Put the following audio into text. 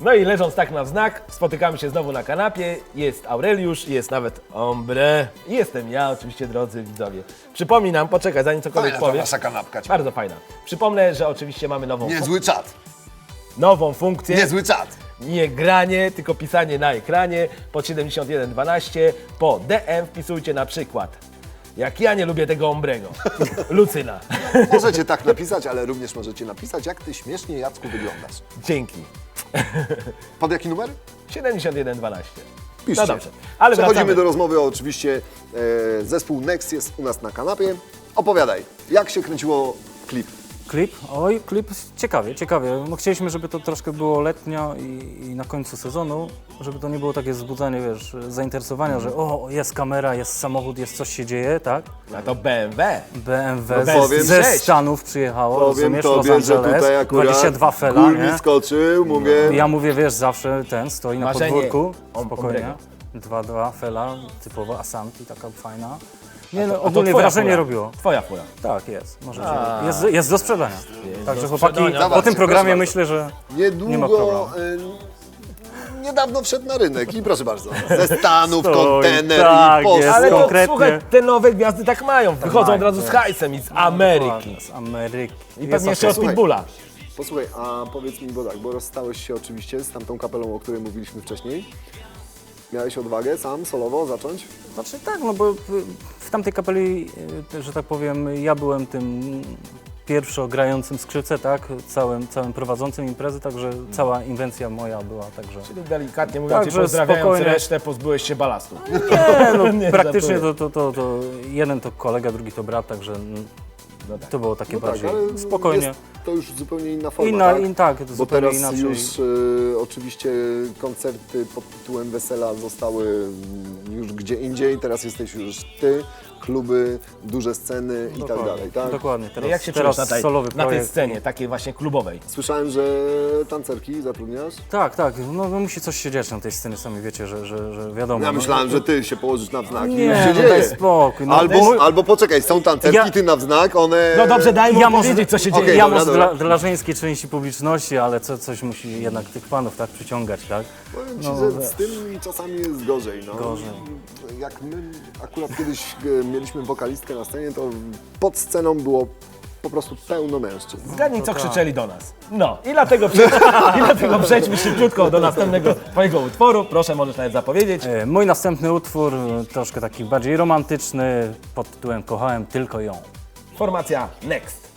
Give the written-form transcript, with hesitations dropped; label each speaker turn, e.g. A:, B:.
A: No i leżąc tak na wznak, spotykamy się znowu na kanapie. Jest Aureliusz, jest nawet Ombre. I jestem ja, oczywiście, drodzy widzowie. Przypominam, poczekaj, zanim cokolwiek
B: Fajna ta
A: powiem.
B: wasza kanapka.
A: Bardzo fajna. Przypomnę, że oczywiście mamy
B: Niezły czat.
A: nową funkcję.
B: Niezły czat.
A: Nie granie, tylko pisanie na ekranie. Pod 7112 po DM wpisujcie na przykład: jak ja nie lubię tego Ombrego. Lucyna.
B: Możecie tak napisać, ale również możecie napisać, jak ty śmiesznie, Jacku, wyglądasz.
A: Dzięki.
B: Pod jaki numer?
A: 7112.
B: Piszcie.
A: No dobrze, ale
B: Przechodzimy
A: wracamy.
B: do rozmowy. Oczywiście zespół Next jest u nas na kanapie. Opowiadaj, jak się kręciło klip?
C: Klip? Oj, klip ciekawie, ciekawie. No, chcieliśmy, żeby to troszkę było letnio i na końcu sezonu, żeby to nie było takie wzbudzanie, wiesz, zainteresowania, że o, jest kamera, jest samochód, jest coś się dzieje, tak?
A: A to BMW.
C: BMW
A: No
B: powiem,
C: ze
A: cześć.
C: Stanów przyjechało,
B: Powiem
C: rozumiesz, Los
B: tobie, że
C: Angeles,
B: tutaj akurat
C: 22 fela,
B: gór mi
C: nie?
B: skoczył, mówię.
C: Ja mówię, wiesz, zawsze ten stoi na
A: Marzenie
C: podwórku,
A: Ombrego.
C: spokojnie, 2-2 fela, typowa Asanti, taka fajna. Nie,
A: A
C: no,
A: to
C: ogólnie
A: twoja
C: wrażenie
A: fura.
C: robiło.
A: Twoja fura.
C: Tak, jest, możecie. Jest do sprzedania. Także
A: do
C: chłopaki,
A: sprzedania.
C: po tym programie
B: Proszę
C: myślę, że
B: Niedługo,
C: nie ma problemu.
B: niedawno wszedł na rynek i proszę bardzo, ze Stanów,
C: Stoi,
B: kontener
C: tak,
B: i post.
C: jest.
A: Ale to,
C: konkretnie.
A: słuchaj, te nowe gwiazdy tak mają. Wychodzą
C: mają,
A: od razu z
C: wiesz.
A: hajsem i z Ameryki.
C: z Ameryki.
A: I pewnie jeszcze od
B: Słuchaj.
A: Pitbulla.
B: Posłuchaj, a powiedz mi, bo tak, bo rozstałeś się oczywiście z tamtą kapelą, o której mówiliśmy wcześniej. Miałeś odwagę sam, solowo zacząć?
C: Znaczy tak, no bo w tamtej kapeli, że tak powiem, ja byłem tym pierwszo grającym skrzypce, tak, całym prowadzącym imprezy, także cała inwencja moja była, także...
A: Czyli delikatnie mówiąc,
C: Także
A: pozdrawiając
C: spokojnie.
A: resztę, pozbyłeś się balastu.
C: Nie, no
A: Nie,
C: praktycznie
A: żartuję.
C: to jeden to kolega, drugi to brat, także
A: No tak.
C: to było takie bardziej
B: ale
C: spokojnie.
B: jest to już zupełnie inna forma, tak?
C: Tak,
B: Bo
C: zupełnie
B: teraz
C: inaczej.
B: już oczywiście koncerty pod tytułem Wesela zostały już gdzie indziej, teraz jesteś już ty, kluby, duże sceny i tak dalej, tak?
C: Dokładnie, teraz,
A: Jak się
C: teraz
A: czujesz
C: solowy
A: na tej
C: projekt.
A: scenie, takiej właśnie klubowej?
B: Słyszałem, że tancerki zatrudniasz?
C: Tak, no musi coś się dziać na tej scenie, sami wiecie, że wiadomo.
B: Ja
C: no,
B: myślałem, że ty się położysz na wznak i już
C: Nie,
B: się
C: no
B: dzieje.
C: daj spokój. No,
B: Albo poczekaj, są tancerki,
C: Ja-
B: ty na wznak, one...
A: No dobrze, daj mu
C: Ja może-
A: powiedzieć, co się dzieje.
B: Okej,
C: ja
B: dobra,
C: może
B: dobra.
C: dla żeńskiej części publiczności, ale coś musi jednak tych panów tak przyciągać, tak?
B: Powiem ci,
C: No,
B: że
C: wiesz.
B: z tym czasami jest gorzej. No.
C: Gorzej.
B: Jak my akurat kiedyś mieliśmy wokalistkę na scenie, to pod sceną było po prostu pełno mężczyzn.
A: Zgadnij, co krzyczeli do nas. No i dlatego, i dlatego przejdźmy szybciutko do następnego twojego utworu. Proszę, możesz nawet zapowiedzieć.
C: Mój następny utwór, troszkę taki bardziej romantyczny, pod tytułem Kochałem tylko ją.
A: Formacja Next.